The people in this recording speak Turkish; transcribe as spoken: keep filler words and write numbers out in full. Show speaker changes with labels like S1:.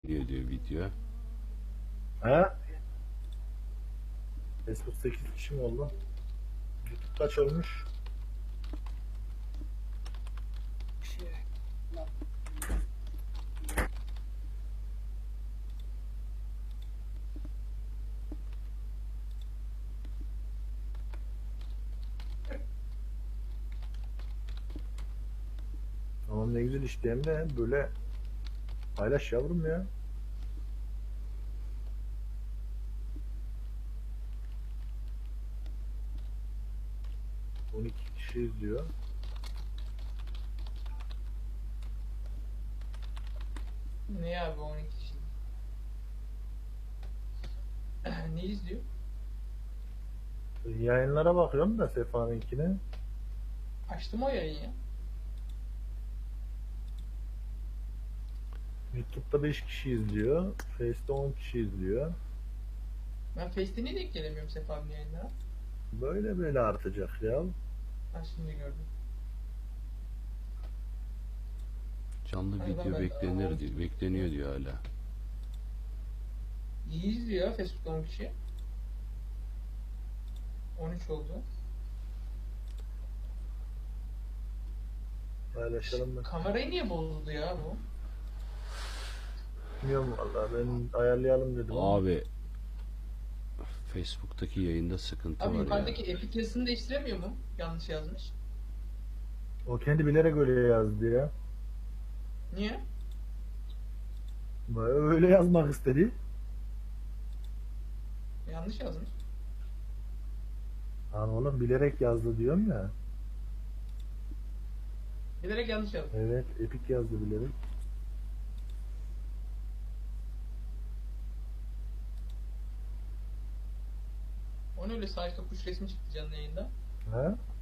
S1: diyor diyor video.
S2: He? Facebook sekiz kişi mi oldu? YouTube kaç olmuş? Tamam, ne güzel işte, hem de böyle paylaş yavrum ya. on iki kişi izliyor.
S3: Ne abi on iki kişi? Ne izliyor?
S2: Yayınlara bakıyorum da Sefa'nınkine.
S3: Açtım o yayın ya.
S2: YouTube'da beş kişi izliyor. Face'te on kişi izliyor.
S3: Ben Face'te niye denk gelemiyorum Sefa abinin yayınlara?
S2: Böyle böyle artacak ya.
S3: Ben şimdi gördüm.
S1: Canlı
S3: Hayır,
S1: video
S3: ben-
S1: beklenir diyor. Bekleniyor diyor hala.
S3: İyi izliyor ya Facebook'ta on kişi. on üç oldu.
S2: Paylaşalım da.
S3: Kamerayı niye bozuldu ya bu?
S2: Bilmiyorum vallahi, ben ayarlayalım dedim. ama.
S1: Abi Facebook'taki yayında sıkıntı
S3: Abi
S1: var
S3: yukarıdaki
S1: ya.
S3: Epic yazısını değiştiremiyor mu? Yanlış yazmış.
S2: O kendi bilerek öyle yazdı ya.
S3: Niye?
S2: Öyle yazmak istedi.
S3: Yanlış yazmış.
S2: Lan oğlum, bilerek yazdı diyorum ya.
S3: Bilerek yanlış yazmış.
S2: Evet, Epic yazdı bilerek.
S3: O ne öyle sağ üstte kuş resmi çıktı canlı yayında.
S2: Ha?